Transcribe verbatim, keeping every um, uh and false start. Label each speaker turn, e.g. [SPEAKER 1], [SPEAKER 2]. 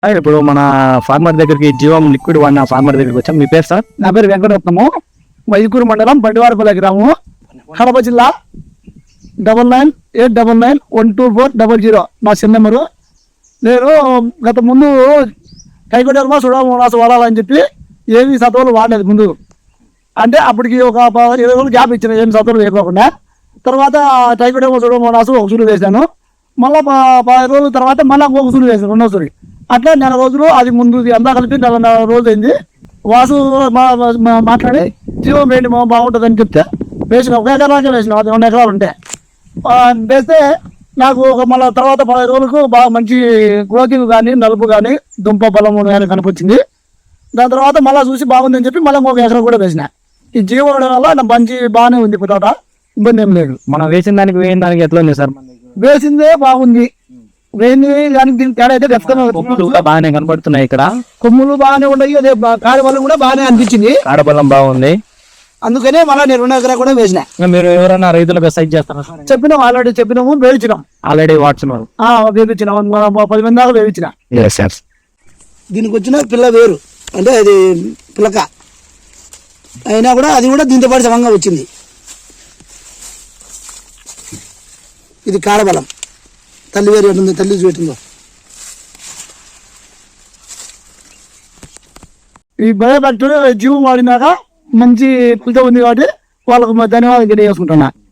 [SPEAKER 1] ఆ, ఇప్పుడు మన ఫార్మర్ దగ్గరికి జీవం లిక్విడ్ వాడిన ఫార్మర్ దగ్గరికి వచ్చాం. మీ పేరు సార్?
[SPEAKER 2] నా పేరు వెంకటరత్నము, వైకూరు మండలం బండివారపల్లి గ్రామము, కడప జిల్లా. Double nine eight double nine one two four double zero నా సెల్ నెంబరు. నేను గత ముందు కైకొడర్మా సుడామోనాసు వాడాలని చెప్పి ఏమి సత్వాలు వాడలేదు ముందు. అంటే అప్పటికి ఒక ప- ఇరవై రోజులు గ్యాప్ ఇచ్చిన ఏమి సత్వాలు వేయకోకుండా. తర్వాత టైకోడర్మా సుడామోనాసు ఒక సూరు వేసాను. మళ్ళీ పది రోజుల తర్వాత మళ్ళీ ఒక సూరు వేసాను, రెండో సూరి. అట్లా నెల రోజులు అది ముందు అంతా కలిపి నెల నెల రోజులు అయింది. వాసు మా- మా- మాట్లాడి జీవం వేయండి మా బాగుంటుంది అని చెప్తే వేసిన. ఒక ఎకరాకే వేసిన, అది రెండు ఎకరాలు ఉంటే ఆ, వేస్తే నాకు ఒక మళ్ళీ తర్వాత పది రోజులకు బాగా మంచి గ్రోతింగ్ కానీ నలుపు కానీ దుంప బలము కానీ కనిపించింది. దాని తర్వాత మళ్ళీ చూసి బాగుందని చెప్పి మళ్ళీ ఒక ఎకరం కూడా వేసిన. ఈ జీవం వేయడం వల్ల నా మంచి బాగానే ఉంది, తోట ఇబ్బంది ఏం లేదు.
[SPEAKER 1] మనం వేసిన దానికి వేయిన దానికి ఎట్లా ఉంది సార్?
[SPEAKER 2] వేసిందే బాగుంది, వేయింది దానికి దీనికి తేడా అయితే డెఫ్గా
[SPEAKER 1] కొమ్ములు కూడా బాగానే కనపడుతున్నాయి ఇక్కడ.
[SPEAKER 2] కొమ్ములు బాగానే ఉన్నాయి, అదే కాడి వల్ల కూడా బాగానే అనిపించింది.
[SPEAKER 1] కాడబలం బాగుంది.
[SPEAKER 2] అందుకనే మళ్ళీ నేను రెండు ఎకరా కూడా వేసిన.
[SPEAKER 1] ఇంకా మీరు ఎవరైనా రైతులకు సైజ్ చేస్తారా సార్?
[SPEAKER 2] చెప్పినాం, ఆల్రెడీ చెప్పినాము, వేయించినాం.
[SPEAKER 1] ఆల్రెడీ వాడుతున్నారు.
[SPEAKER 2] వేయించినాం, పది మంది దాకా వేయించిన.
[SPEAKER 1] సార్
[SPEAKER 2] దీనికి వచ్చిన పిల్ల వేరు అంటే అది పిల్లక అయినా కూడా అది కూడా దీంతో పాటు సమంగా వచ్చింది. ఇది కాడబలం, తల్లి వేరు ఎటుందో తల్లి చూపెట్టిందో. ఈ బయోఫ్యాక్టరీ జీవం వాడినాక మంచి ఫలితం ఉంది కాబట్టి వాళ్ళకు ధన్యవాదాలు తెలియజేసుకుంటున్నా.